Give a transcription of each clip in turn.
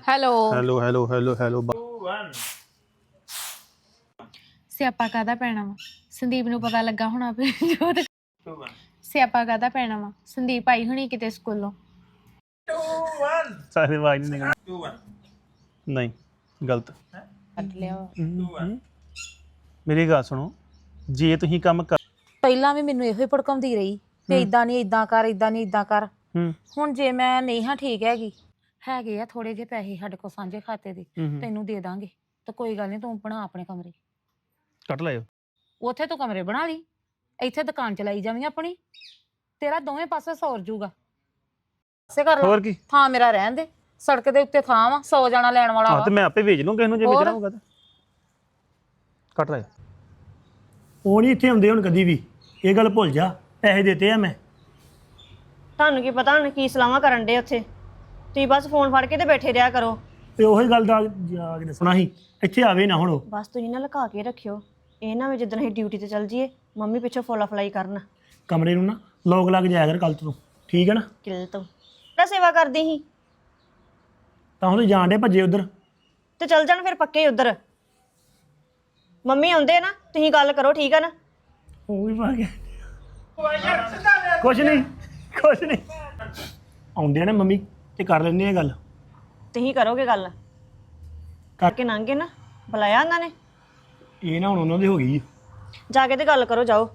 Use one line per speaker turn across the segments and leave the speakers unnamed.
Hello
hello hello hello hello
ਸਿਆਪਾ ਕਾਹਦਾ ਪੈਣਾ ਵਾ ਸੰਦੀਪ ਨੂੰ ਪਤਾ ਲੱਗਾ ਹੋਣਾ ਵੀ ਜੋਤ ਸਿਆਪਾ ਕਾਹਦਾ ਪੈਣਾ ਵਾ ਸੰਦੀਪ ਆਈ ਹੋਣੀ ਕਿਤੇ ਸਕੂਲੋਂ
ਸਾਰੇ ਆਵਾਜ਼ ਨਹੀਂ ਨਿਕਲ ਨਹੀਂ ਗਲਤ
ਕੱਢ ਲਿਆ ਵਾ।
ਮੇਰੀ ਗੱਲ ਸੁਣੋ ਜੇ ਤੁਸੀਂ ਕੰਮ ਕਰ
ਪਹਿਲਾਂ ਵੀ ਮੈਨੂੰ ਇਹੋ ਹੀ ਭੜਕਾਉਂਦੀ ਰਹੀ ਵੀ ਇਦਾਂ ਨਹੀਂ ਇਦਾਂ ਕਰ ਇਦਾਂ ਨਹੀਂ ਇਦਾਂ ਕਰ
ਹੂੰ
ਹੁਣ ਜੇ ਮੈਂ ਨਹੀਂ ਹਾਂ ਠੀਕ ਹੈਗੇ ਆ ਥੋੜੇ ਜਿਹੇ ਪੈਸੇ ਸਾਡੇ ਕੋਲ ਸਾਂਝੇ ਖਾਤੇ ਦੇ
ਹੂੰ
ਤੈਨੂੰ ਦੇ ਦਾਂਗੇ ਤਾਂ ਕੋਈ ਗੱਲ ਨਹੀਂ ਤੂੰ ਬਣਾ ਆਪਣੇ ਕਮਰੇ
ਕੱਟ ਲਾਇਓ
ਉੱਥੇ ਤੂੰ ਕਮਰੇ ਬਣਾ ਲਈ ਇੱਥੇ ਦੁਕਾਨ ਚਲਾਈ ਜਾਵੀਂ ਆਪਣੀ ਤੇਰਾ ਦੋਵੇਂ ਪਾਸੇ ਸੌਰ ਜੂਗਾ ਸੇ ਕਰ
ਹੋਰ
ਲਾ
ਕੀ
ਥਾਂ ਮੇਰਾ ਰਹਿਣ ਦੇ ਸੜਕ ਦੇ ਉੱਤੇ ਥਾਂ ਵਾ 100 ਜਾਣਾ ਲੈਣ ਵਾਲਾ
ਹਾਂ
ਵਾ
ਤੇ ਮੈਂ ਆਪੇ ਵੇਚ ਲੂੰ ਕਿਸੇ ਨੂੰ ਜੇ
ਹੋਰ?
ਵੇਚਣਾ ਹੋਊਗਾ ਤਾਂ ਕੱਟ ਲਾਇਓ
ਉਹ ਨਹੀਂ ਇੱਥੇ ਆਉਂਦੇ ਹੁਣ ਕਦੀ ਵੀ ਇਹ ਗੱਲ ਭੁੱਲ ਜਾ ਪੈਸੇ ਦਿੱਤੇ ਆ ਮੈਂ
ਤੁਹਾਨੂੰ ਕੀ ਪਤਾ ਹੁਣ ਕੀ ਸਲਾਹਾਂ ਕਰਨ ਦੇ ਉੱਥੇ ਤੁਸੀਂ ਬਸ ਫੋਨ ਫੜ ਕੇ ਤੇ ਬੈਠੇ ਰਿਹਾ ਕਰੋ
ਤੇ ਉਹੀ ਗੱਲ ਦਾ ਜਾ ਕੇ ਦੱਸਣਾ ਸੀ ਇੱਥੇ ਆਵੇ ਨਾ ਹੁਣ ਉਹ
ਬਸ ਤੁਸੀਂ ਨਾ ਲੁਕਾ ਕੇ ਰੱਖਿਓ ਇਹ ਨਾ ਵੀ ਜਿੱਦਣ ਅਸੀਂ ਡਿਊਟੀ ਤੇ ਚੱਲ ਜਾਈਏ ਮੰਮੀ ਪਿੱਛੋਂ ਫੋਲਾ ਫਲਾਈ ਕਰਨ
ਕਮਰੇ ਨੂੰ ਨਾ ਲੋਕ ਲੱਗ ਜਾਇਆ ਕਰ ਕੱਲ ਤੋਂ ਠੀਕ ਹੈ ਨਾ
ਕਿਲ ਤੋਂ ਤਾਂ ਸੇਵਾ ਕਰਦੀ ਸੀ
ਤਾਂ ਹੁਣ ਜਾਣ ਦੇ ਭੱਜੇ ਉਧਰ
ਤੇ ਚੱਲ ਜਾਣ ਫਿਰ ਪੱਕੇ ਉਧਰ ਮੰਮੀ ਆਉਂਦੇ ਨਾ ਤੁਸੀਂ ਗੱਲ ਕਰੋ ਠੀਕ ਆ ਨਾ
ਉਹ ਵੀ ਪਾ ਗਿਆ ਕੁਛ ਨਹੀਂ ਆਉਂਦੇ ਨੇ ਮੰਮੀ ਤੇ ਕਰ ਲੈਂਦੇ ਆ ਗੱਲ
ਤੁਸੀਂ ਕਰੋਗੇ ਗੱਲ ਕਰਕੇ ਲੰਘੇ ਨਾ ਬੁਲਾਇਆ ਉਹਨਾਂ ਨੇ
ਇਹ ਨਾ ਹੁਣ ਉਹਨਾਂ ਦੀ ਹੋ ਗਈ
ਜਾ ਕੇ ਤੇ ਗੱਲ ਕਰੋ ਜਾਓ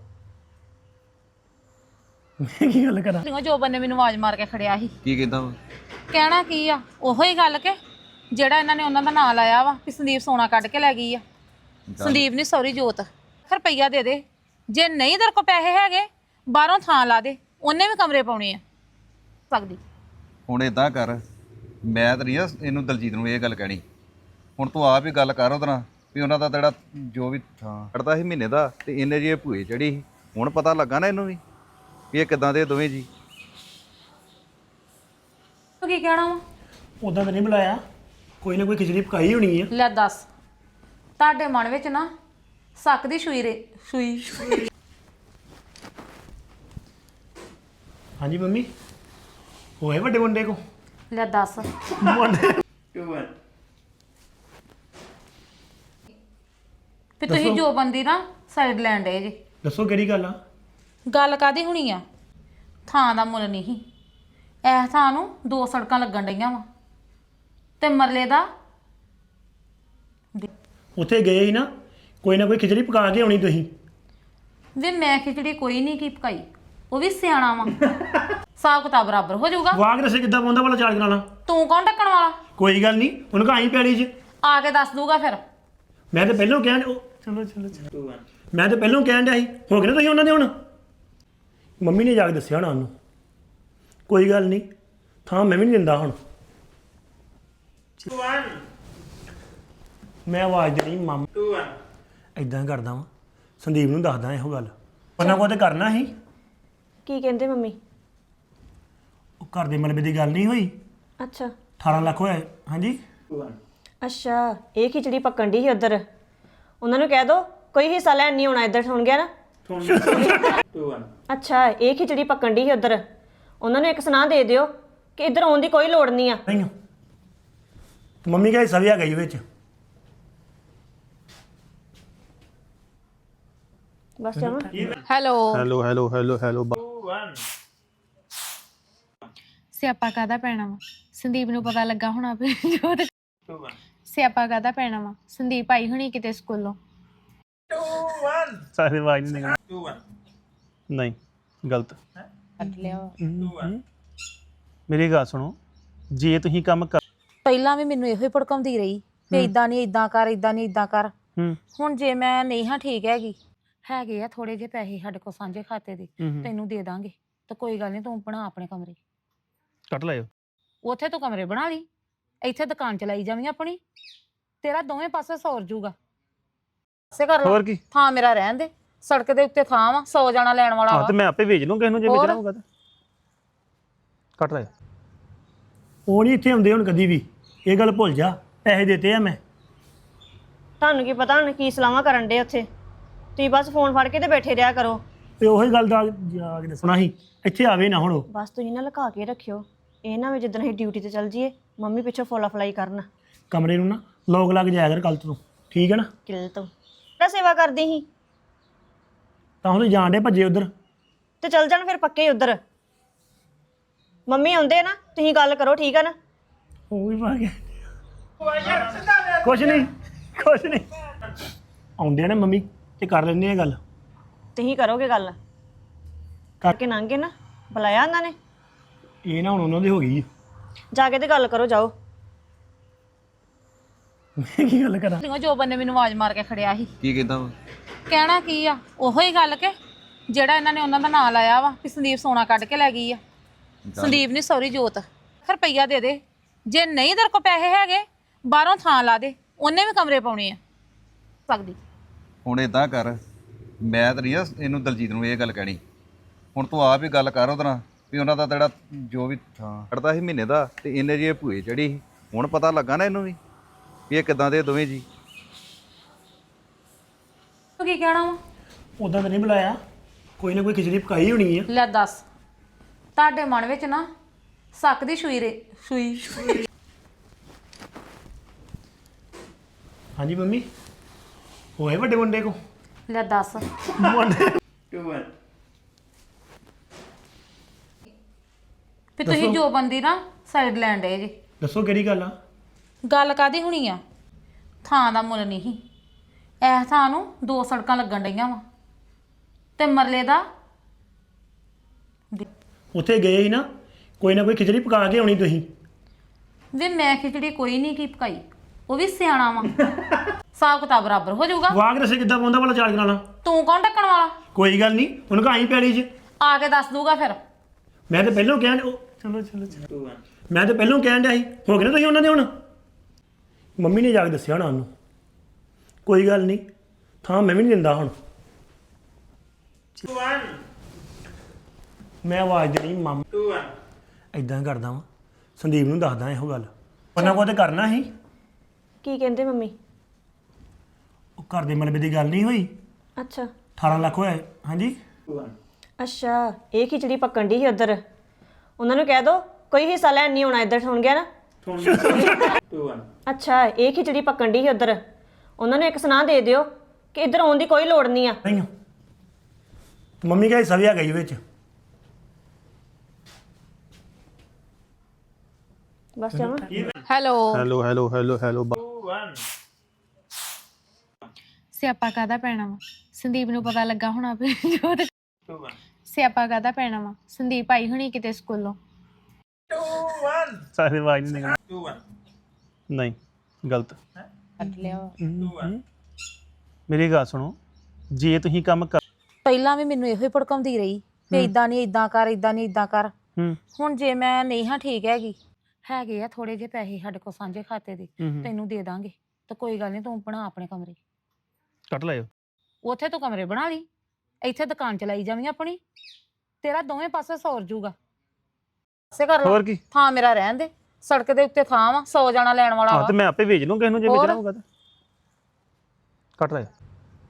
ਮੈਂ ਕੀ ਗੱਲ ਕਰਾਂ
ਜੋ ਬੰਨੇ ਮੈਨੂੰ ਆਵਾਜ਼ ਮਾਰ ਕੇ ਖੜਿਆ ਸੀ
ਕੀ ਕਹਿੰਦਾ ਵਾ
ਕਹਿਣਾ ਕੀ ਆ ਉਹੋ ਹੀ ਗੱਲ ਕਿ ਜਿਹੜਾ ਇਹਨਾਂ ਨੇ ਉਹਨਾਂ ਦਾ ਨਾਂ ਲਾਇਆ ਵਾ ਕਿ ਸੰਦੀਪ ਸੋਨਾ ਕੱਢ ਕੇ ਲੈ ਗਈ ਆ ਸੰਦੀਪ ਨਹੀਂ ਸੌਰੀ ਜੋਤ ਰੁਪਈਆ ਦੇ ਦੇ ਜੇ ਨਹੀਂ ਤੇਰੇ ਕੋਲ ਪੈਸੇ ਹੈਗੇ ਬਾਹਰੋਂ ਥਾਂ ਲਾ ਦੇ ਉਹਨੇ ਵੀ ਕਮਰੇ ਪਾਉਣੇ ਆ ਸਕਦੀ
ਹੁਣ ਇਦਾਂ ਕਰ ਮੈਂ ਤਾਂ ਨਹੀਂ ਆ ਇਹਨੂੰ ਦਲਜੀਤ ਨੂੰ ਇਹ ਗੱਲ ਕਹਿਣੀ ਹੁਣ ਤੂੰ ਆਪ ਹੀ ਗੱਲ ਕਰ ਉਹਦੇ ਨਾਲ ਵੀ ਉਹਨਾਂ ਦਾ ਜਿਹੜਾ ਜੋ ਵੀ ਥਾਂ ਕੱਢਦਾ ਸੀ ਮਹੀਨੇ ਦਾ ਤੇ ਇਹਨੇ ਜੀ ਇਹ ਭੂਏ ਚੜੀ ਸੀ ਹੁਣ ਪਤਾ ਲੱਗਾ ਨਾ ਇਹਨੂੰ ਵੀ ਇਹ ਕਿਦਾਂ ਦੇ ਦੋਵੇਂ ਜੀ
ਤੂੰ ਕੀ ਕਹਿਣਾ ਵਾ
ਉਦਾਂ ਤਾਂ ਨਹੀਂ ਬੁਲਾਇਆ ਕੋਈ ਨਾ ਕੋਈ ਖਿਚੜੀ ਪਕਾਈ ਹੋਣੀ ਆ
ਲੈ ਦੱਸ ਤੁਹਾਡੇ ਮਨ ਵਿੱਚ ਨਾ ਸੱਕ ਦੀ ਸੂਈ
ਹਾਂਜੀ ਮੰਮੀ ਹੋਏ ਵੱਡੇ ਮੁੰਡੇ ਕੋ
ਲੈ ਦੱਸ
ਮੁੰਡੇ
ਵੀ ਤੁਸੀਂ ਜੋ ਬੰਦੀ ਨਾ ਸਾਈਡ ਲੈਣ ਡੇ ਜੀ
ਦੱਸੋ ਕਿਹੜੀ ਗੱਲ ਆ
ਗੱਲ ਕਾਦੀ ਹੋਣੀ ਆ ਥਾਂ ਦਾ ਮੁੱਲ ਨਹੀਂ ਐ ਥਾਂ ਨੂੰ 2 ਸੜਕਾਂ ਲੱਗਣ ਡਈਆਂ ਵਾ ਤੇ ਮਰਲੇ ਦਾ
ਉੱਥੇ ਗਏ ਸੀ ਨਾ ਕੋਈ ਖਿਚੜੀ ਪਕਾ ਕੇ ਆਉਣੀ ਤੁਸੀਂ
ਵੇ ਮੈਂ ਖਿਚੜੀ ਕੋਈ ਨਹੀਂ ਕੀ ਪਕਾਈ ਉਹ ਵੀ ਸਿਆਣਾ ਵਾ ਹਿਸਾਬ ਕਿਤਾਬ ਬਰਾਬਰ ਹੋ ਜਾਊਗਾ
ਵਾਗ ਰਸੇ ਕਿੱਦਾਂ ਪਾਉਂਦਾ ਵਾਲਾ ਚਾਰਜ ਕਰਾਣਾ
ਤੂੰ ਕੌਣ ਢੱਕਣ ਵਾਲਾ
ਕੋਈ ਗੱਲ ਨਹੀਂ ਉਹਨੂੰ ਕਹਾਈ ਪੈੜੀ 'ਚ
ਆ ਕੇ ਦੱਸ ਦੂਗਾ ਫਿਰ
ਮੈਂ ਤਾਂ ਪਹਿਲਾਂ ਕਹਿਣ ਚਲੋ ਮੈਂ ਤਾਂ ਪਹਿਲਾਂ ਕਹਿਣ ਡਿਆ ਸੀ ਹੋ ਗਏ ਨਾ ਤੁਸੀਂ ਉਹਨਾਂ ਦੇ ਹੁਣ ਮੰਮੀ ਨੇ ਜਾ ਕੇ ਦੱਸਿਆ ਹੋਣਾ ਉਹਨੂੰ ਕੋਈ ਗੱਲ ਨਹੀਂ ਥਾਂ ਮੈਂ ਵੀ ਨਹੀਂ ਦਿੰਦਾ ਹੁਣ ਮੈਂ ਆਵਾਜ਼ ਦੇਣੀ ਮਾਮਾ ਇਦਾਂ ਕਰਦਾ ਵਾਂ ਸੰਦੀਪ ਨੂੰ ਦੱਸਦਾ ਇਹੋ ਗੱਲ ਉਹਨਾਂ ਕੋਲ ਤੇ ਕਰਨਾ ਸੀ
ਕੀ ਕਹਿੰਦੇ ਮੰਮੀ
ਉਹ ਘਰ ਦੇ ਮਲਬੇ ਦੀ ਗੱਲ ਨਹੀਂ ਹੋਈ
ਅੱਛਾ
18 ਲੱਖ ਹੋਇਆ ਹਾਂਜੀ
ਅੱਛਾ ਇਹ ਖਿਚੜੀ ਪੱਕਣ ਦੀ ਸੀ ਉਧਰ ਉਹਨਾਂ ਨੂੰ ਕਹਿ ਦੋ ਕੋਈ ਹਿੱਸਾ ਲੈਣ ਨਹੀਂ ਆਉਣਾ ਇੱਧਰ ਸੁਣ ਗਿਆ ਨਾ ਅੱਛਾ ਇਹ ਖਿਚੜੀ ਪੱਕਣ ਦੀ ਸੀ ਉਧਰ ਉਹਨਾਂ ਨੂੰ ਇੱਕ ਸੁਣਾ ਦੇ ਦਿਓ ਕਿ ਇੱਧਰ ਆਉਣ ਦੀ ਕੋਈ ਲੋੜ ਨਹੀਂ ਆ
ਨਹੀਂ ਤੇ ਮੰਮੀ ਕਹੇ ਹਿੱਸਾ ਵੀ ਆ ਗਈ ਵਿੱਚ
ਬਸ ਜਾਵਾਂ
hello
hello hello hello hello
ਸਿਆਪਾ ਕਾਹਦਾ ਪੈਣਾ ਵਾ ਸੰਦੀਪ ਨੂੰ ਪਤਾ ਲੱਗਾ ਹੋਣਾ ਵੀ ਜੋਤ ਸਿਆਪਾ ਕਾਹਦਾ ਪੈਣਾ ਵਾ ਸੰਦੀਪ ਆਈ ਹੋਣੀ ਕਿਤੇ ਸਕੂਲੋਂ
ਸਾਰੇ ਆਵਾਜ਼ ਨਹੀਂ ਨਿਕਲ ਨਹੀਂ ਗਲਤ
ਕੱਢ ਲਿਆ ਵਾ।
ਮੇਰੀ ਗੱਲ ਸੁਣੋ ਜੇ ਤੁਸੀਂ ਕੰਮ ਕਰ
ਪਹਿਲਾਂ ਵੀ ਮੈਨੂੰ ਇਹੋ ਹੀ ਭੜਕਾਉਂਦੀ ਰਹੀ ਵੀ ਇਦਾਂ ਨਹੀਂ ਇਦਾਂ ਕਰ ਇਦਾਂ ਨਹੀਂ ਇਦਾਂ ਕਰ
ਹੂੰ
ਹੁਣ ਜੇ ਮੈਂ ਨਹੀਂ ਹਾਂ ਠੀਕ ਹੈਗੇ ਆ ਥੋੜੇ ਜਿਹੇ ਪੈਸੇ ਸਾਡੇ ਕੋਲ ਸਾਂਝੇ ਖਾਤੇ ਦੇ ਤੈਨੂੰ ਦੇ ਦਾਂਗੇ ਤਾਂ ਕੋਈ ਗੱਲ ਨਹੀਂ ਤੂੰ ਬਣਾ ਆਪਣੇ ਕਮਰੇ
ਕੱਟ ਲਾਇਓ
ਉੱਥੇ ਤੂੰ ਕਮਰੇ ਬਣਾ ਲਈ ਇੱਥੇ ਦੁਕਾਨ ਚਲਾਈ ਜਾਵੀਂ ਆਪਣੀ ਤੇਰਾ ਦੋਵੇਂ ਪਾਸੇ ਸੌਰ ਜੂਗਾ ਸੇ ਕਰ ਲਾ
ਹੋਰ ਕੀ
ਥਾਂ ਮੇਰਾ ਰਹਿਣ ਦੇ ਸੜਕ ਦੇ ਉੱਤੇ ਥਾਂ ਵਾ 100 ਜਾਣਾ ਲੈਣ ਵਾਲਾ
ਹਾਂ
ਵਾ
ਤੇ ਮੈਂ ਆਪੇ ਵੇਚ ਲੂੰ ਕਿਸੇ ਨੂੰ ਜੇ
ਹੋਰ?
ਵੇਚਣਾ ਹੋਊਗਾ ਤਾਂ ਕੱਟ ਲਾਇਓ
ਉਹ ਨਹੀਂ ਇੱਥੇ ਆਉਂਦੇ ਹੁਣ ਕਦੀ ਵੀ ਇਹ ਗੱਲ ਭੁੱਲ ਜਾ ਪੈਸੇ ਦਿੱਤੇ ਆ ਮੈਂ
ਤੁਹਾਨੂੰ ਕੀ ਪਤਾ ਹੁਣ ਕੀ ਸਲਾਹਾਂ ਕਰਨ ਦੇ ਉੱਥੇ ਤੁਸੀਂ ਬਸ ਫੋਨ ਫੜ ਕੇ ਤੇ ਬੈਠੇ ਰਿਹਾ ਕਰੋ
ਤੇ ਉਹੀ ਗੱਲ ਦਾ ਜਾ ਕੇ ਦੱਸਣਾ ਸੀ ਇੱਥੇ ਆਵੇ ਨਾ ਹੁਣ ਉਹ
ਬਸ ਤੁਸੀਂ ਨਾ ਲੁਕਾ ਕੇ ਰੱਖਿਓ ਇਹ ਨਾ ਵੀ ਜਿੱਦਣ ਅਸੀਂ ਡਿਊਟੀ ਤੇ ਚੱਲ ਜਾਈਏ ਮੰਮੀ ਪਿੱਛੋਂ ਫੋਲਾ ਫਲਾਈ ਕਰਨ
ਕਮਰੇ ਨੂੰ ਨਾ ਲੋਕ ਲੱਗ ਜਾਇਆ ਕਰ ਕੱਲ ਤੋਂ ਠੀਕ ਹੈ ਨਾ
ਕਿਲ ਤੋਂ ਤਾਂ ਸੇਵਾ ਕਰਦੀ ਸੀ
ਤਾਂ ਹੁਣ ਜਾਣ ਡੇ ਭੱਜੇ ਉਧਰ
ਤੇ ਚੱਲ ਜਾਣ ਫਿਰ ਪੱਕੇ ਉਧਰ ਮੰਮੀ ਆਉਂਦੇ ਨਾ ਤੁਸੀਂ ਗੱਲ ਕਰੋ ਠੀਕ ਆ ਨਾ
ਉਹ ਵੀ ਪਾ ਗਿਆ ਕੁਛ ਨਹੀਂ ਆਉਂਦੇ ਨੇ ਮੰਮੀ ਤੇ ਕਰ ਲੈਂਦੇ ਆ ਗੱਲ
ਤੁਸੀਂ ਕਰੋਗੇ ਗੱਲ ਕਰਕੇ ਲੰਘੇ ਨਾ ਬੁਲਾਇਆ ਉਹਨਾਂ ਨੇ
ਇਹ ਨਾ ਹੁਣ ਉਹਨਾਂ ਦੀ ਹੋ ਗਈ
ਜਾ ਕੇ ਤੇ ਗੱਲ ਕਰੋ ਜਾਓ
ਮੈਂ ਕੀ ਗੱਲ ਕਰਾਂ
ਉਹ ਜੋਬਨ ਨੇ ਮੈਨੂੰ ਆਵਾਜ਼ ਮਾਰ ਕੇ ਖੜਿਆ ਸੀ
ਕੀ ਕਹਿੰਦਾ ਵਾ
ਕਹਿਣਾ ਕੀ ਆ ਉਹੋ ਹੀ ਗੱਲ ਕਿ ਜਿਹੜਾ ਇਹਨਾਂ ਨੇ ਉਹਨਾਂ ਦਾ ਨਾਂ ਲਾਇਆ ਵਾ ਕਿ ਸੰਦੀਪ ਸੋਨਾ ਕੱਢ ਕੇ ਲੈ ਗਈ ਆ ਸੰਦੀਪ ਨਹੀਂ ਸੌਰੀ ਜੋਤ ਰੁਪਈਆ ਦੇ ਦੇ ਜੇ ਨਹੀਂ ਤੇਰੇ ਕੋਲ ਪੈਸੇ ਹੈਗੇ ਬਾਹਰੋਂ ਥਾਂ ਲਾ ਦੇ ਉਹਨੇ ਵੀ ਕਮਰੇ ਪਾਉਣੇ ਆ ਸਕਦੀ
ਹੁਣ ਇਦਾਂ ਕਰ ਮੈਂ ਤਾਂ ਨਹੀਂ ਆ ਇਹਨੂੰ ਦਲਜੀਤ ਨੂੰ ਇਹ ਗੱਲ ਕਹਿਣੀ ਹੁਣ ਤੂੰ ਆਪ ਹੀ ਗੱਲ ਕਰ ਉਹਦੇ ਨਾਲ ਵੀ ਉਹਨਾਂ ਦਾ ਜਿਹੜਾ ਜੋ ਵੀ ਥਾਂ ਕੱਢਦਾ ਸੀ ਮਹੀਨੇ ਦਾ ਤੇ ਇਹਨੇ ਜੀ ਇਹ ਭੂਏ ਚੜੀ ਸੀ ਹੁਣ ਪਤਾ ਲੱਗਾ ਨਾ ਇਹਨੂੰ ਵੀ ਇਹ ਕਿਦਾਂ ਦੇ ਦੋਵੇਂ ਜੀ
ਤੂੰ ਕੀ ਕਹਿਣਾ ਵਾ
ਉਦਾਂ ਤਾਂ ਨਹੀਂ ਬੁਲਾਇਆ ਕੋਈ ਨਾ ਕੋਈ ਖਿਚੜੀ ਪਕਾਈ ਹੋਣੀ ਆ
ਲੈ ਦੱਸ ਤੁਹਾਡੇ ਮਨ ਵਿੱਚ ਨਾ ਸੱਕ ਦੀ ਸੂਈ
ਹਾਂਜੀ ਮੰਮੀ ਹੋਏ ਵੱਡੇ ਮੁੰਡੇ ਕੋ
ਲੈ ਦੱਸ
ਮੁੰਡੇ
ਵੀ ਤੁਸੀਂ ਜੋ ਬੰਦੀ ਨਾ ਸਾਈਡ ਲੈਣ ਡੇ ਜੀ
ਦੱਸੋ ਕਿਹੜੀ ਗੱਲ ਆ
ਗੱਲ ਕਾਦੀ ਹੋਣੀ ਆ ਥਾਂ ਦਾ ਮੁੱਲ ਨਹੀਂ ਇਹ ਥਾਂ ਨੂੰ 2 ਸੜਕਾਂ ਲੱਗਣ ਡਈਆਂ ਵਾ ਤੇ ਮਰਲੇ ਦਾ
ਉੱਥੇ ਗਏ ਸੀ ਨਾ ਕੋਈ ਖਿਚੜੀ ਪਕਾ ਕੇ ਆਉਣੀ ਤੁਸੀਂ
ਵੀ ਮੈਂ ਖਿਚੜੀ ਕੋਈ ਨਹੀਂ ਕੀ ਪਕਾਈ ਉਹ ਵੀ ਸਿਆਣਾ ਵਾ ਹਿਸਾਬ ਕਿਤਾਬ ਬਰਾਬਰ ਹੋ ਜਾਊਗਾ
ਵਾਗ ਰਸੇ ਕਿੱਦਾਂ ਪਾਉਂਦਾ ਵਾਲਾ ਚਾਰਜ ਕਰਾਣਾ
ਤੂੰ ਕੌਣ ਢੱਕਣ ਵਾਲਾ
ਕੋਈ ਗੱਲ ਨਹੀਂ ਉਹਨੂੰ ਕਹਾਈ ਪੈੜੀ 'ਚ
ਆ ਕੇ ਦੱਸ ਦੂਗਾ ਫਿਰ
ਮੈਂ ਤਾਂ ਪਹਿਲਾਂ ਕਹਿਣ ਚਲੋ ਮੈਂ ਤਾਂ ਪਹਿਲਾਂ ਕਹਿਣ ਡਿਆ ਸੀ ਹੋ ਗਏ ਨਾ ਤੁਸੀਂ ਉਹਨਾਂ ਦੇ ਹੁਣ ਮੰਮੀ ਨੇ ਜਾ ਕੇ ਦੱਸਿਆ ਹੋਣਾ ਉਹਨੂੰ ਕੋਈ ਗੱਲ ਨਹੀਂ ਥਾਂ ਮੈਂ ਵੀ ਨਹੀਂ ਦਿੰਦਾ ਹੁਣ ਮੈਂ ਆਵਾਜ਼ ਦੇਣੀ ਮਾਮ ਇਦਾਂ ਕਰਦਾ ਵਾਂ ਸੰਦੀਪ ਨੂੰ ਦੱਸਦਾ ਇਹੋ ਗੱਲ ਉਹਨਾਂ ਕੋਲ ਤੇ ਕਰਨਾ ਸੀ
ਕੀ ਕਹਿੰਦੇ ਮੰਮੀ
ਉਹ ਘਰ ਦੇ ਮਲਬੇ ਦੀ ਗੱਲ ਨਹੀਂ ਹੋਈ
ਅੱਛਾ
18 ਲੱਖ ਹੋਇਆ ਹਾਂਜੀ
ਅੱਛਾ ਇਹ ਖਿਚੜੀ ਪੱਕਣ ਦੀ ਸੀ ਉਧਰ ਉਹਨਾਂ ਨੂੰ ਕਹਿ ਦੋ ਕੋਈ ਹਿੱਸਾ ਲੈਣ ਨਹੀਂ ਆਉਣਾ ਇੱਧਰ ਸੁਣ ਗਿਆ ਨਾ ਅੱਛਾ ਇਹ ਖਿਚੜੀ ਪੱਕਣ ਦੀ ਸੀ ਉਧਰ ਉਹਨਾਂ ਨੂੰ ਇੱਕ ਸੁਨਾਹ ਦੇ ਦਿਓ ਕਿ ਇੱਧਰ ਆਉਣ ਦੀ ਕੋਈ ਲੋੜ ਨਹੀਂ ਆ
ਨਹੀਂ ਮੰਮੀ ਕਹੇ ਸਵਿਆ ਗਈ ਵਿੱਚ
ਬਸ ਜਾਵਾਂ
ਹੈਲੋ ਸਿਆਪਾ ਕਾਹਦਾ ਪੈਣਾ ਵਾ ਸੰਦੀਪ ਨੂੰ ਪਤਾ ਲੱਗਾ ਹੋਣਾ ਵੀ ਜੋਤ ਸਿਆਪਾ ਕਾਹਦਾ ਪੈਣਾ ਵਾ ਸੰਦੀਪ ਆਈ ਹੋਣੀ ਕਿਤੇ ਸਕੂਲੋਂ
ਸਾਰੇ ਆਵਾਜ਼ ਨਹੀਂ ਨਿਕਲਦੀ ਨਹੀਂ ਗਲਤ ਮੇਰੀ ਗੱਲ ਸੁਣੋ ਜੇ ਤੁਸੀਂ ਕੰਮ ਕਰ
ਪਹਿਲਾਂ ਵੀ ਮੈਨੂੰ ਇਹੋ ਹੀ ਭੜਕਾਉਂਦੀ ਰਹੀ ਵੀ ਇਦਾਂ ਨਹੀਂ ਇਦਾਂ ਕਰ ਇਦਾਂ ਨਹੀਂ ਇਦਾਂ ਕਰ
ਹੂੰ
ਹੁਣ ਜੇ ਮੈਂ ਨਹੀਂ ਹਾਂ ਠੀਕ ਹੈਗੇ ਆ ਥੋੜੇ ਜਿਹੇ ਪੈਸੇ ਸਾਡੇ ਕੋਲ ਸਾਂਝੇ ਖਾਤੇ ਦੇ ਤੈਨੂੰ ਦੇ ਦਾਂਗੇ ਤਾਂ ਕੋਈ ਗੱਲ ਨਹੀਂ ਤੂੰ ਬਣਾ ਆਪਣੇ ਕਮਰੇ
ਕੱਟ ਲਾਇਓ
ਉੱਥੇ ਤੂੰ ਕਮਰੇ ਬਣਾ ਲਈ ਇੱਥੇ ਦੁਕਾਨ ਚਲਾਈ ਜਾਵੀਂ ਆਪਣੀ ਤੇਰਾ ਦੋਵੇਂ ਪਾਸੇ ਸੌਰ ਜੂਗਾ ਪਾਸੇ ਕਰ ਲਾ
ਹੋਰ ਕੀ
ਥਾਂ ਮੇਰਾ ਰਹਿਣ ਦੇ ਸੜਕ ਦੇ ਉੱਤੇ ਥਾਂ ਵਾ 100 ਜਾਣਾ ਲੈਣ ਵਾਲਾ
ਹਾਂ
ਵਾ
ਤੇ ਮੈਂ ਆਪੇ ਵੇਚ ਲੂੰ ਕਿਸੇ ਨੂੰ ਜੇ
ਹੋਰ?
ਵੇਚਣਾ ਹੋਊਗਾ ਤਾਂ ਕੱਟ ਲਾਇਓ